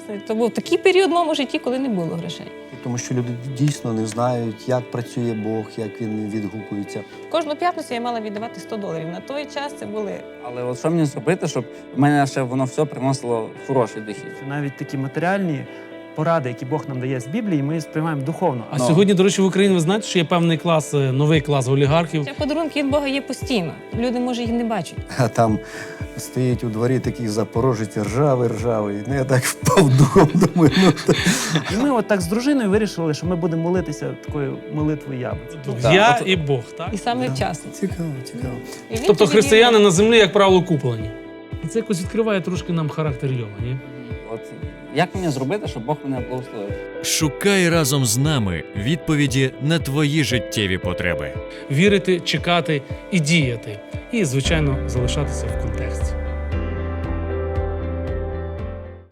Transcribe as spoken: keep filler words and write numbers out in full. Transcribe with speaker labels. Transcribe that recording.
Speaker 1: Це був такий період в моєму житті, коли не було грошей.
Speaker 2: Тому що люди дійсно не знають, як працює Бог, як він відгукується.
Speaker 1: Кожну п'ятницю я мала віддавати сто доларів. На той час це були...
Speaker 3: Але от що мені зробити, щоб в мене ще воно все приносило хороший дохід?
Speaker 4: Навіть такі матеріальні поради, які Бог нам дає з Біблії, ми сприймаємо духовно.
Speaker 5: А
Speaker 3: Ну.
Speaker 5: сьогодні, до речі, в Україні, ви знаєте, що є певний клас, е, новий клас олігархів.
Speaker 1: Ще подарунки від Бога є постійно. Люди, може, їх не бачать.
Speaker 2: А там стоїть у дворі такий запорожець ржавий, ржавий. Ну, я так впав духом, думаю, ну... та-
Speaker 4: І ми от так з дружиною вирішили, що ми будемо молитися такою молитвою яблуці.
Speaker 3: Так,
Speaker 5: Я
Speaker 3: от-
Speaker 5: і Бог, так?
Speaker 1: І саме вчасно.
Speaker 2: Цікаво, цікаво.
Speaker 1: І він
Speaker 5: Тобто
Speaker 1: тоді
Speaker 5: християни
Speaker 1: вірив.
Speaker 5: на землі, як правило, куплені. І це якось відкриває трошки нам характер Йова, ні?
Speaker 3: От як мені зробити, щоб Бог мене благословив?
Speaker 6: Шукай разом з нами відповіді на твої життєві потреби.
Speaker 5: Вірити, чекати і діяти. І, звичайно, залишатися в контексті.